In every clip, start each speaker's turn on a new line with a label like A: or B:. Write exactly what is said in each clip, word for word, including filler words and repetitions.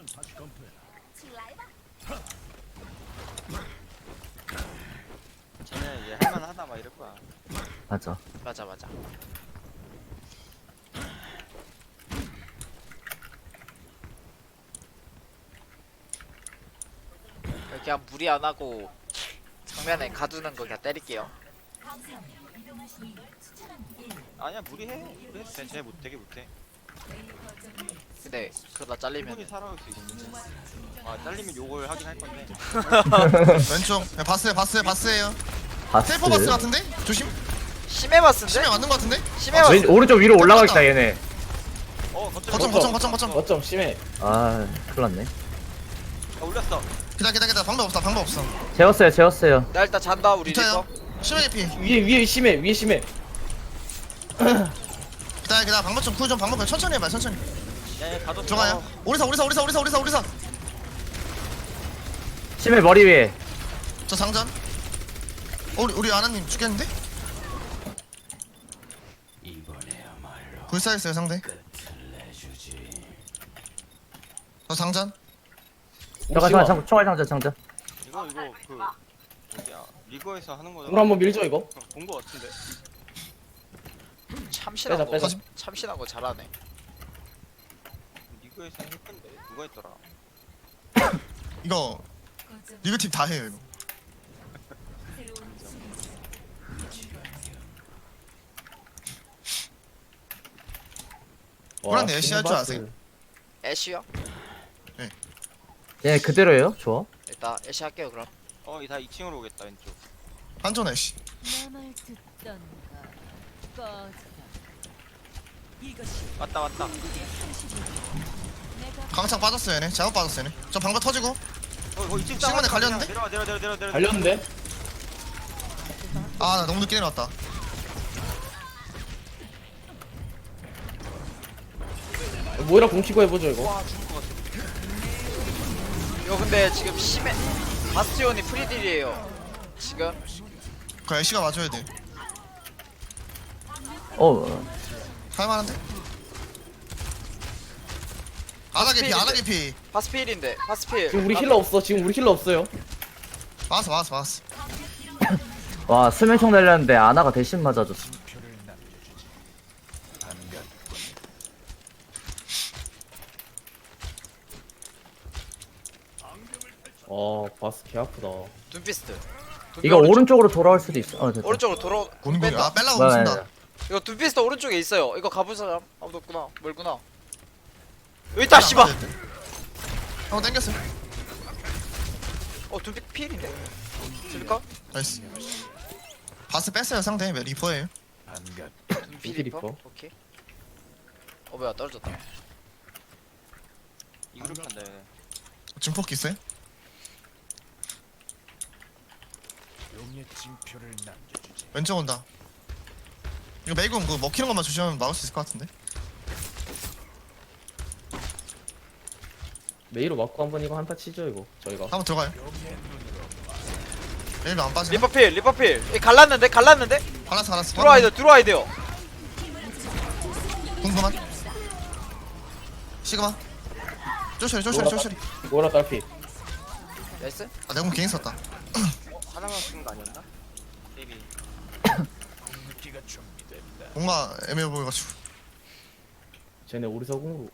A: 쟤네 얘 할만하다 막 이럴 거야.
B: 맞아.
C: 맞아 맞아. 그냥 무리 안 하고 정면에 가두는 거 그냥 때릴게요.
A: 아니야 무리해. 무리해도 돼. 쟤 못, 되게 못해.
C: 근데 그러다
A: 충분히
C: 잘리면
A: 살아올 수 있는데. 아 잘리면 욕을 하긴 할 건데.
D: 왼쪽. 야, 바스에 바스에 바스에요.
B: 바스.
D: 셀퍼 바스 같은데? 조심.
C: 심해 봤는데?
D: 심해 맞는 거 같은데?
C: 심해
D: 아,
C: 봤.
B: 왼 오른쪽 위로 올라가겠다 얘네.
A: 어 거점
D: 거점 거점 거점 거점.
E: 어쩜 심해.
B: 아 큰일났네.
A: 아, 올렸어.
D: 기다 기다 기다. 방법 없다 방법 없어.
B: 재웠어요 재웠어요.
C: 나 일단 잔다 우리
D: 붙어요.
C: 리퍼.
D: 심해 피.
E: 위에 위에 심해 위에 심해.
D: 기다 기다. 방법 좀 쿨 좀 방법 좀 천천히 해봐 천천히.
A: 야얘 가뒀어.
D: 들어가요. 오리사 오리사 오리사 오리사 오리사 오리사.
B: 심해 머리 위에.
D: 저 상전. 어, 우리 우리 아나님 죽겠는데? 불사했어요 상대. 저 상전.
B: 잠깐 잠깐 잠깐 총알 장전 장전.
A: 이거 이거 그 뭐야 리그에서 하는 거잖아.
E: 우리 한번 밀죠 이거.
A: 본 거 같은데.
C: 참신한
E: 빼자,
C: 거.
E: 빼자.
C: 참신한 거 잘하네.
A: 리그에서 했던데 누가 했더라.
D: 이거 리그 팀 다 해요 이거. 호란데 애쉬 할 줄 아세요?
C: 애쉬요?
B: 얘 그대로예요. 좋아.
C: 일단 애쉬 할게요 그럼.
A: 어이다 이 층으로 오겠다 왼쪽.
D: 한전 애쉬.
F: 나말 듣던가 꺼져라. 이것이
A: 왔다 왔다.
F: 내가
D: 강창 빠졌어요 얘네. 작업 빠졌어요 얘네. 저 방금 터지고.
A: 어 이거 이 층
D: 시간에 갈렸는데?
A: 내려와 내려와 내려와 내려와 내려와.
E: 달렸는데?
D: 아 나 너무 늦게 내려왔다.
E: 모이라 공치고 해보죠 이거.
A: 와 죽을 것 같아.
C: 이거 근데 지금 심해. 바스티온이 프리딜이에요. 지금
D: 그 애쉬가 맞아야 돼.
B: 어.
D: 할만한데? 아나게 피 아나게 피.
C: 바스필인데 바스필.
E: 지금 우리 힐러 없어. 지금 우리 힐러 없어요.
D: 맞았어 맞았어 맞았어.
B: 와 수면총 날렸는데 아나가 대신 맞아줬어.
E: 어 바스 개 아프다.
C: 둠피스트.
B: 이거 오른쪽으로 돌아올 수도 있어. 어 됐다.
C: 오른쪽으로 돌아.
D: 고는거야.
C: 뺀다.
D: 아 뺄라고
B: 뭐야,
D: 붙는다.
C: 이거 둠피스트 오른쪽에 있어요. 이거 가볼 사람 아무도 없구나. 멀구나. 여기 있다 씨발.
D: 한번 땡겼어.
C: 어 둠피 필인데. 들까?
D: 나이스. 바스 뺐어요 상대. 리퍼예요.
C: 둠피
E: 둠피
C: 리퍼.
E: 리퍼.
C: 오케이. 어 뭐야 떨어졌다.
A: 이그룹 한다 얘네.
D: 증폭기 있어요? 왼쪽 온다. 이거 메이군 그 먹히는 것만 조심하면 막을 수 있을 것 같은데.
E: 메이로 맞고 한번 이거 한타 치죠 이거 저희가.
D: 한번 들어가요. 메이로 안 빠지네.
C: 리퍼 필 리퍼 필. 이 갈랐는데 갈랐는데.
D: 갈랐어 갈랐어.
C: 들어와야 돼 들어와야 돼요.
D: 궁금한. 시그마. 쪼셔리 쪼셔리 쪼셔리.
E: 모이라 딸피.
C: 나이스.
D: 아 내가 개인 썼다.
A: 하나만 쓰는 거 아니었나? 데뷔.
D: 뭔가 애매해 보여가지고.
E: 쟤네 우리 서공으로.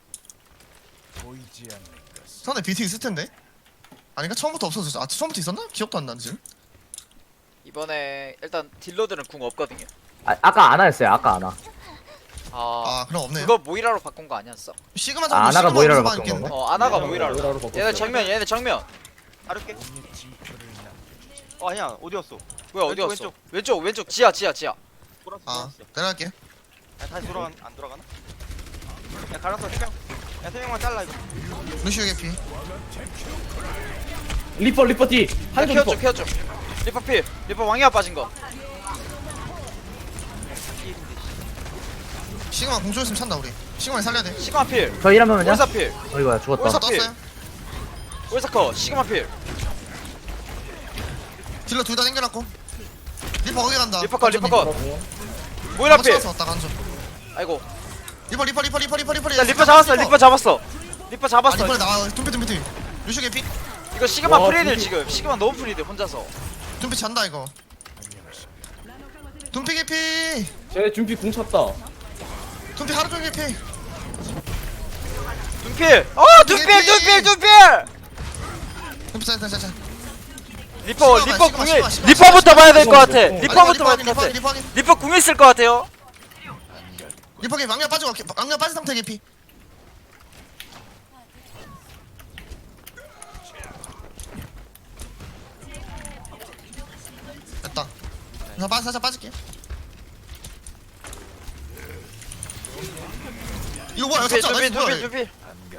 D: 상대 비티 있을 텐데. 아닌가 처음부터 없어졌어. 아 처음부터 있었나? 기억도 안 나는 지금.
C: 이번에 일단 딜러들은 궁 없거든요.
B: 아, 아까 아나였어요. 아까 아나.
C: 아,
D: 아 그럼 없네요.
C: 그거 모이라로 바꾼 거 아니었어?
D: 시그마
B: 아,
D: 정도
B: 아나가
D: 시그마
B: 모이라로
D: 정도만
B: 바꾼
D: 있겠는데?
C: 어 아나가
E: 네,
C: 모이라로.
E: 모이라로 바꿨어요.
C: 얘네 정면 얘네 정면.
A: 다를게. 어 아니야 어디였어?
C: 뭐야 어디
A: 왼쪽,
C: 갔어?
A: 왼쪽.
C: 왼쪽 왼쪽 지하 지하 지하.
A: 돌았어
D: 아
A: 돌았어.
D: 내려갈게.
A: 야 다시 돌아가 안 돌아가나? 야 갈았어 세 명. 야 세 명만 잘라 이거.
D: 루시오 개피.
E: 리퍼 리퍼 뒤. 한쪽 리퍼.
C: 케어 좀 케어 좀. 리퍼 필 리퍼 왕이야 빠진 거.
D: 시그마 공조 있으면 찬다 우리. 시그마 살려야 돼.
C: 시그마 필.
B: 저 일하면은요?
C: 올사 필.
B: 어이구야 죽었다.
C: 올사-
D: 떴어요.
C: 올사 커 시그마 필.
D: 딜러 둘 다 당겨놨고. 리퍼 거기 간다.
C: 리퍼 컷 리퍼 컷.
E: 어,
C: 모이라 필.
D: 왔다 간죠.
C: 아이고.
D: 리퍼 리퍼 리퍼 리퍼 리퍼 리퍼.
C: 야 리퍼 잡았어 리퍼 잡았어. 리퍼
D: 아
C: 잡았어.
D: 리퍼에 나와. 둠피 둠피 둠피. 루슈 개피.
C: 이거 시그마
E: 와,
C: 프리딜
E: 둠피.
C: 지금. 시그마 너무 프리딜 혼자서.
D: 둠피 잔다 이거. 둠피 개피.
E: 쟤네 준비 궁 찼다.
D: 둠피 하루 종일 개피.
C: 둔필. 어 둔필 둔필 둔필.
D: 둠피 자자자자.
C: 리퍼
D: 시그마,
C: 리퍼
D: 시그마,
C: 궁이
D: 시그마, 시그마,
C: 리퍼부터 봐야 될 것 같아.
E: 시그마.
C: 리퍼부터 봐야 될 것
D: 리퍼
C: 같아.
D: 리퍼 리퍼
C: 리퍼 궁 있을 것 같아요.
D: 리퍼 개피. 망령 빠지고 망령 빠진 상태 개피. 됐다. 나 빠, 살짝 빠질게. 이거 뭐야?
C: 둔필
D: 잡자.
C: 둔필
D: 나이스 뭐야?
C: 둔필 둔필.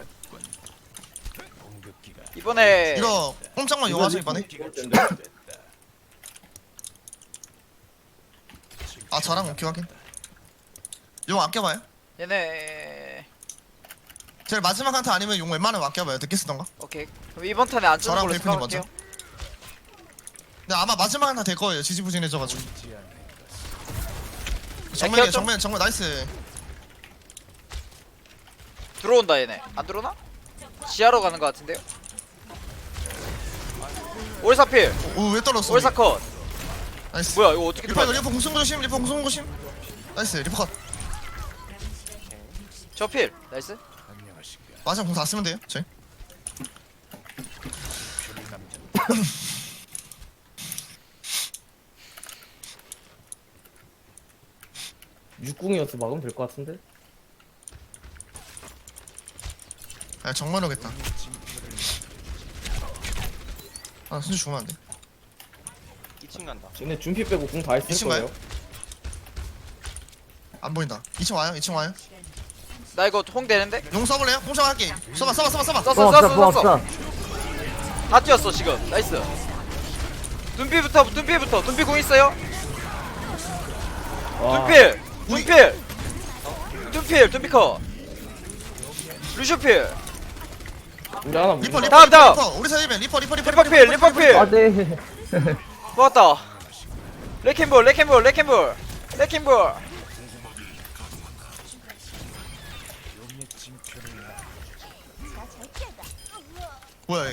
C: 이번에
D: 이거 꼼짝만 용하죠 이번에.
E: 이럴 텐데.
D: 아 저랑 오케이 확인. 용 아껴봐요.
C: 얘네
D: 제일 마지막 한타 아니면 용 웬만하면 아껴봐요. 늦게 쓰던가.
C: 오케이. 그럼 이번 턴에 안 쓰는
D: 저랑
C: 걸로
D: 벨프님
C: 생각할게요.
D: 근데 아마 마지막 한타 될 거예요. 지지부진해져가지고. 정면에
C: 키웠죠?
D: 정면 정면 나이스.
C: 들어온다 얘네. 안 들어오나? 지하로 가는 것 같은데요? 올사필.
D: 오왜 떨었어?
C: 올사 컷.
D: 나이스.
C: 뭐야 이거 어떻게
D: 리퍼 이거
C: 들어왔지?
D: 리퍼 공승 조심. 리퍼 공승 조심. 나이스 리퍼 컷.
C: 저필. 나이스.
D: 마지막 공다 쓰면 돼요. 저희.
E: 육궁이어서 막으면 될 것 같은데.
D: 아 정말 오겠다. 아 순수 죽으면 안 돼.
A: 이 층 간다.
E: 쟤네 준비 빼고 궁 다
D: 이
E: 했을
D: 층
E: 거예요.
D: 안 보인다. 이 층 와요. 이 층 와요.
C: 나 이거 홍 되는데?
D: 용 써볼래요? 공정 할게. 써봐 써봐 써봐 써봐.
C: 썼어
B: 뽕
C: 썼어
B: 없어 뽕
C: 썼어.
B: 없어.
C: 다 뛰었어 지금. 나이스. 둔피부터 둔피부터 둔피 공 있어요?
E: 와,
C: 둔필.
D: 우리-
C: 둔필. 둔필 둔피 컷. 루슈필.
E: 우리 하나 못
D: 리퍼
E: 봐.
D: 리퍼
C: 다음,
D: 리퍼,
C: 다음.
D: 리퍼. 우리 사이벤 리퍼 리퍼 리퍼
C: 리퍼필 리퍼필.
B: 아 네.
C: 좋았다. 레킹볼 레킹볼 레킹볼 레킹볼.
D: 뭐야 얘.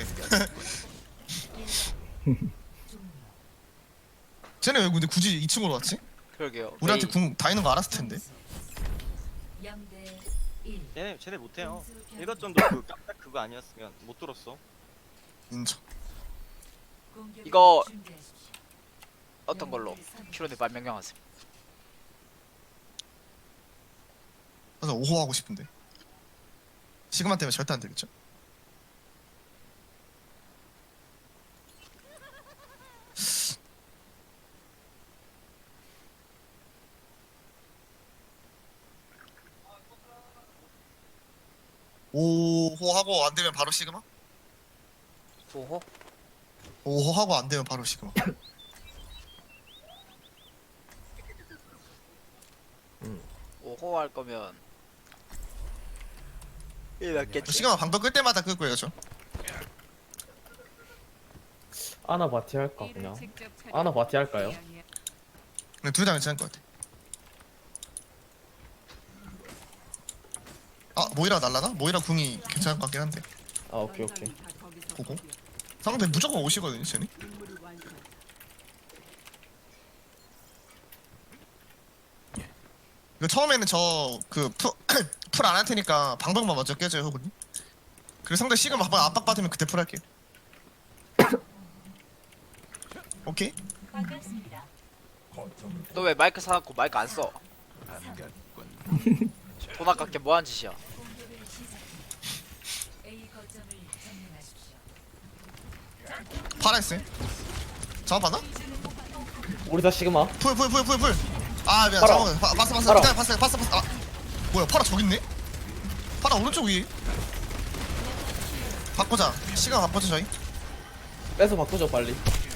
D: 쟤네 왜 근데 굳이 이 층으로 왔지?
C: 그러게요.
D: 우리한테
C: 메이.
D: 궁 다 있는 거 알았을 텐데.
F: 영대 일.
A: 쟤네 쟤네 못해요. 일거점도 그 깜짝 그거 아니었으면 못 들었어.
D: 인정.
C: 이거 어떤 걸로? 큐로네 말 명령하세요.
D: 그래서 오호 하고 싶은데. 시그마 때문에 절대 안 되겠죠? 오호 하고 안 되면 바로 시그마?
C: 오호.
D: 오호 하고 안 되면 바로 시그마.
C: 오호 할 거면 일 낫겠지.
D: 시그마 방법 끌 때마다 끌 거예요, 저.
E: 아나 바티 할까 그냥. 아나 바티 할까요?
D: 근데 둘 다 괜찮을 것 같아. 아 모이라 날라나? 모이라 궁이 괜찮을 것 같긴 한데.
E: 아 오케이 오케이.
D: 보고. 상대 무조건 오시거든요, 쟤네. 이거 처음에는 저 그풀풀 안 할 테니까 방법만 먼저 깨줘요, 호구님. 그리고 상대 시그마 한번 압박 받으면 그때 풀 할게요. 오케이?
C: 너 왜 마이크 사갖고 마이크 안 써? 돈 아깝게 뭐한 짓이야?
F: A 거점을 점령하십시오.
D: 파라했어요. 잡아봤나?
E: 우리 다 시그마.
D: 풀 풀 풀 풀 풀. 아 미안,
E: 파라.
D: 잠깐만. 바- 봤어 봤어.
E: 파라.
D: 기다려, 봤어 봤어 봤어. 아 뭐야, 파라 저기 있네? 파라 오른쪽 위에. 바꾸자. 시간 바꾸자 저희.
E: 빼서 바꾸죠 빨리.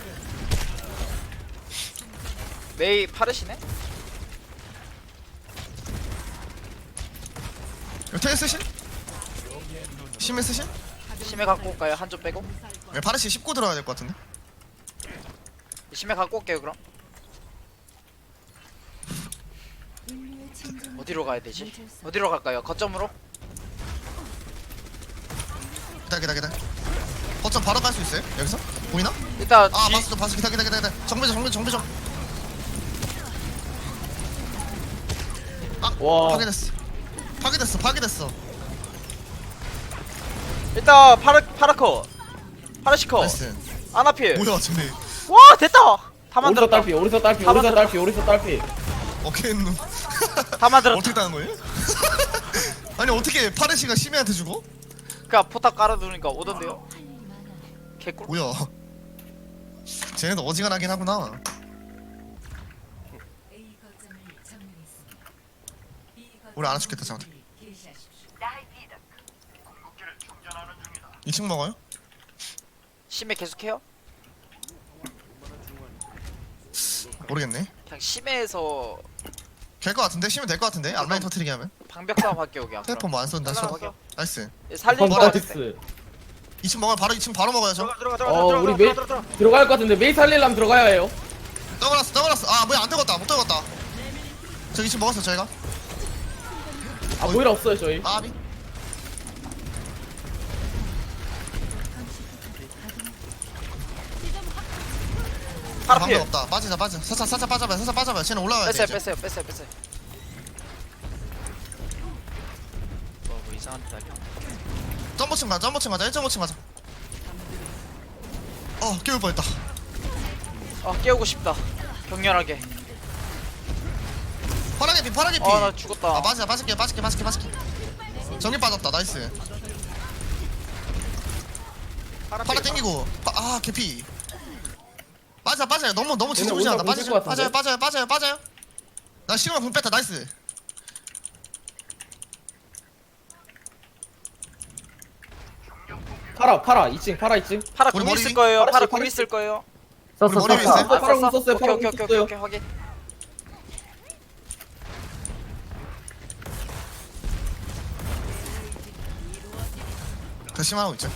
C: 메이 파르시네?
D: 이거 테일 쓰실? 심해 쓰실?
C: 심해 갖고 올까요? 한 점 빼고?
D: 네, 파르시 십구 들어야 될 것 같은데.
C: 심해 갖고 올게요 그럼.
F: 인류의 진정을
C: 어디로 가야 되지?
F: 잊을 수
C: 어디로 갈까요? 거점으로?
D: 기다 기다 기다. 거점 바로 갈 수 있어요? 여기서? 보이나?
C: 일단
D: 아
C: 뒤-
D: 봤어 봤어 기다 기다 기다 기다. 정비점 정비점 정비점.
E: 와
D: 파괴됐어. 파괴됐어 파괴됐어.
C: 일단 파라 파라커 파라시커
D: 나이스.
C: 아나필.
D: 뭐야 쟤네.
C: 와 됐다. 다
E: 오리서
C: 만들었다.
E: 딸피 오리서 딸피
C: 다
E: 오리서
C: 만들었다.
E: 딸피 오리서 딸피.
D: 어케 놈.
C: 다 만들었다.
D: 어떻게 따는 거예요? 아니 어떻게 파르시가 시메한테 주고?
C: 그니까 포탑 깔아두니까 오던데요. 개꿀.
D: 뭐야? 쟤네도 어지간하긴 하구나.
F: A 거점을 점령했습니다. B 거점을
D: 우리 안 해주겠다, 잠깐.
F: 개시하십시오.
D: 이 층 먹어요?
C: 심해 계속해요?
D: 모르겠네.
C: 그냥 심해에서
D: 될 것 같은데? 시면 될 것 같은데? 앞라인 터트리게 하면?
C: 방벽 싸움 할게요 그냥.
D: tele폰 뭐안 쏜다.
A: 하나
D: 쏘.
A: 먹여.
D: 나이스.
C: 살릴 거
D: 뭐라
C: 같은데.
E: 나이스.
D: 이 층 먹어요. 바로 이 층 바로 먹어야죠.
A: 들어가 들어가 들어가
E: 어
A: 들어가
E: 우리
A: 들어가
E: 메이
A: 들어가 들어가.
E: 들어갈 것 같은데 메이 살릴라면 들어가야 해요.
D: 떠올랐어 떠올랐어. 아 뭐야 안 뜨겁다 못 뜨겁다. 저 이 층 먹었어 저희가.
E: 아 모이라 없어요 저희.
D: 아비. 방법
C: 파라필.
D: 없다. 빠지자 빠져. 살짝 살짝 빠져봐요. 살짝 빠져봐요. 쟤는 올라와야 돼.
C: 뺐어요
D: 이제.
C: 뺐어요 뺐어요 뺐어요. 뭐, 뭐 이상한 데 달려.
D: 점프층 가자. 점프층 가자. 일 점 오 층 가자. 어 깨울 뻔했다.
C: 아 깨우고 싶다. 격렬하게.
D: 파란개 피 파란개 피.
C: 아 나 죽었다.
D: 아 맞아 빠질게 빠질게 빠질게 빠질게. 정리 빠졌다. 나이스.
A: 파라
D: 파라 땡기고. 파, 아 개피. 빠져 빠져요. 너무 너무
E: 얘네
D: 지지부지 한다.
E: 오늘
D: 빠져
E: 못
D: 빠져요
E: 뛸것
D: 빠져요 빠져요 빠져요. 나 시그마 분 뺐다. 나이스.
E: 파라 파라 이 층 파라 이 층.
C: 파라
D: 우리
C: 궁
D: 머리
C: 있을
D: 위?
C: 거예요.
E: 파라씨,
C: 파라 궁
E: 파라씨.
C: 있을 거예요.
B: 썼어
D: 우리 머리
B: 썼어.
D: 위에 있어요?
C: 아,
E: 파라 궁
C: 썼어?
E: 썼어요,
C: 오케이
E: 파라
C: 오케이
E: 궁
C: 오케이
E: 썼어요.
C: 오케이 확인.
D: 결심하고 있죠.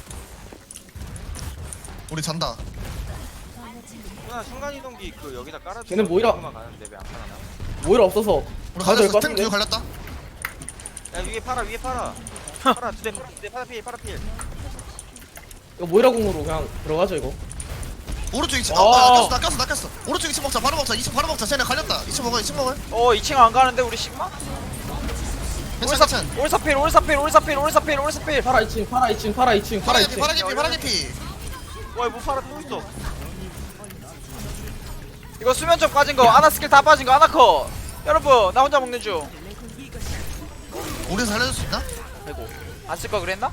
D: 우리 잔다.
A: 누나 순간이동기 그 여기다 깔아주고
E: 걔는 모이라.
A: 만 가는데 왜 안 깔아놔?
E: 모이라 없어서.
D: 우리
E: 가도 될것
D: 걸렸어. 탱
E: 같은데?
D: 뒤에 걸렸다.
A: 야 위에 파라 위에 파라. 파라 두대 두대 파라 필 파라 필.
E: 이거 모이라 궁으로 그냥 들어가죠 이거.
D: 오른쪽 이 층.
E: 와.
D: 어, 낚였어, 낚였어, 낚였어. 오른쪽 이 층 먹자. 바로 먹자. 이 층 바로 먹자. 쟤네 갈렸다. 이 층 먹어, 이 층 먹어.
C: 어 이 층 안 가는데 우리 시그마?
D: 괜찮아,
C: 올사
D: 괜찮아.
C: 올사필 올사필 올사필 올사필 올사필.
E: 파라 이 층 파라 이 층 파라 이 층 파라 이
D: 파란개 피,
E: 층.
D: 파란개 피, 파란개 피.
A: 와뭐 파라 또 있어.
C: 이거 수면 쪽 빠진 거 아나 스킬 다 빠진 거 아나커. 여러분 나 혼자 먹는 중.
D: 우리 살려줄 수 있나?
C: 아이고 안 쓸 거 그랬나?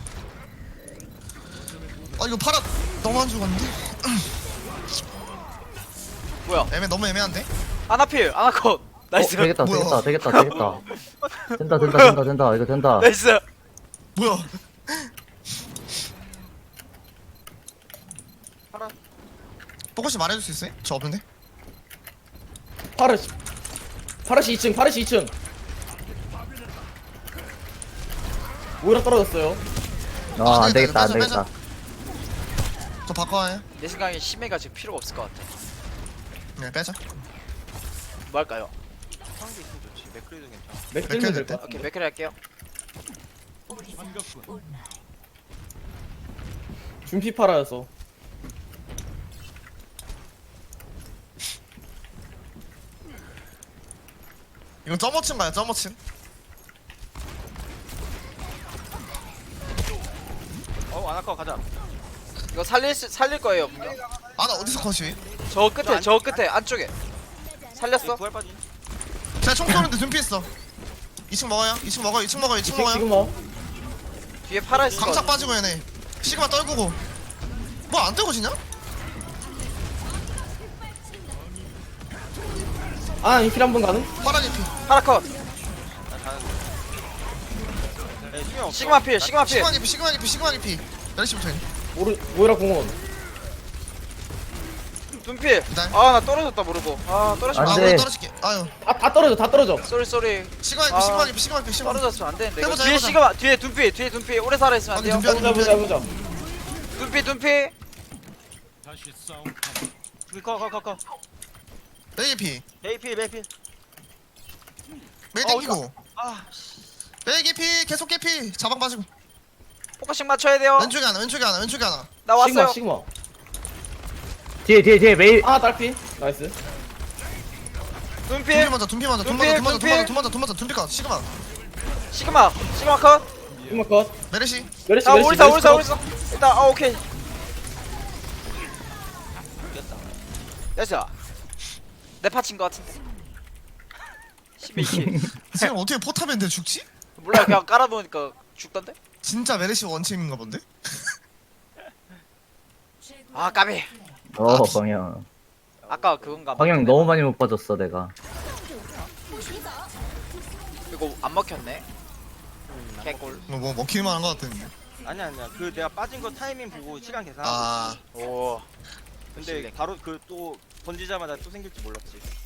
D: 아 이거 파라 너무 안 죽었는데?
C: 뭐야?
D: 애매 너무 애매한데?
C: 아나필 아나컷. 나이스.
B: 어, 되겠다
D: 뭐야?
B: 되겠다 되겠다 되겠다. 된다 된다 된다 된다 이거 된다.
C: 나이스.
D: 뭐야?
A: 파라.
D: 뽀꼬씨 말해줄 수 있어요? 저 없는데?
E: 파라시 파라시 이 층 파라시 이 층. 모이라 떨어졌어요.
B: 아
D: 아,
B: 안 되겠다 안
D: 빼자,
B: 되겠다.
D: 저 바꿔와요.
C: 내 생각에 심해가 지금 필요가 없을 것 같아.
D: 네 빼자.
C: 뭐 할까요?
A: 상대 있으면 좋지. 맥크리도 괜찮아.
E: 맥 들면 될것 같아.
C: 오케이 맥크리 할게요.
E: 준피 파라여서.
D: 이건 점오층 가요 점오층.
A: 어 아나카 가자.
C: 이거 살릴 수, 살릴 거예요 분명.
D: 아나 어디서 컷이?
C: 저 끝에 저 끝에 안쪽에 살렸어.
A: 구할 빠진.
D: 제가 총 쏘는데 눈피했어. 이 층 먹어요. 이 층 먹어요. 이 층 먹어요. 이
E: 이
D: 층
E: 층
D: 먹어요.
E: 지금 뭐
C: 뒤에 파라 있어.
D: 강착 빠지고 얘네. 시그마 떨구고. 뭐 안 떨궈지냐?
E: 아 인필 한번 가능?
D: 파란개 피.
C: 파라컷.
A: 나 가는데. 에 수명 없어.
C: 시그마 필 시그마 필.
D: 시그마개 피. 시그마개 피. 시그마개 피. 열시부터 해.
E: 모르 모이라 궁원.
C: 눈필.
D: 기다려.
C: 아 나 떨어졌다 모르고. 아 떨어지면
D: 아
B: 안
C: 안
B: 돼.
D: 우리 떨어질게. 아유.
E: 아 다 떨어져 다 떨어져.
C: 쏘리 쏘리.
D: 시그마개
C: 아.
D: 피. 시그마개 피. 시그마개 피. 시그마개 피. 시그마개 피.
C: 떨어졌으면 안 되는데. 이거
D: 해보자,
C: 뒤에
D: 해보자.
C: 시그마 뒤에 눈필 뒤에 눈필 오래 살아 있으면 안 돼요.
D: 아니, 눈빛.
E: 보자 보자 보자.
C: 눈필 눈필.
A: 커커커 커.
D: 메이 피.
A: 메이필 메이필.
D: 메이
A: 어,
D: 땡기고.
A: 아
D: 메이 피. 계속 개피. 자방 빠지고.
C: 포커싱 포커싱 맞춰야 돼요.
D: 왼쪽에 하나 왼쪽에 하나 왼쪽에 하나.
C: 나
E: 시그마
C: 왔어요.
E: 시그마.
B: 뒤에 뒤에 뒤에 메이
E: 아 딸피. 나이스.
D: 둔피
C: 눈필
D: 먼저 둔피 먼저 둔
C: 눈필,
D: 먼저 둔
C: 눈필.
D: 먼저 둔 먼저 둔 먼저 둔피 컷 시그마.
C: 시그마 시그마 컷.
E: 시그마 컷.
D: 메르시.
E: 메르시
C: 아
E: 메르시.
C: 올사
E: 메르시
C: 올사
E: 컷.
C: 올사. 일단 아 오케이.
A: 이겼다.
C: 됐어. 내 파친 거 같은데. 십이 킬.
D: 지금 어떻게 포탑인데 죽지?
C: 몰라 그냥 깔아놓으니까 죽던데?
D: 진짜 메르시 원챔인가 본데?
C: 아 까비.
B: 어 광영
C: 아까 그건가?
B: 광영 너무 많이 못 빠졌어 내가.
C: 이거 안 먹혔네. 개꿀.
D: 뭐, 뭐 먹힐만 한거 같은데.
A: 아니야 아니야. 그 내가 빠진 거 타이밍 보고 시간 계산하고.
D: 아
C: 오.
A: 근데 바로 그 또 던지자마자 또 생길지 몰랐지.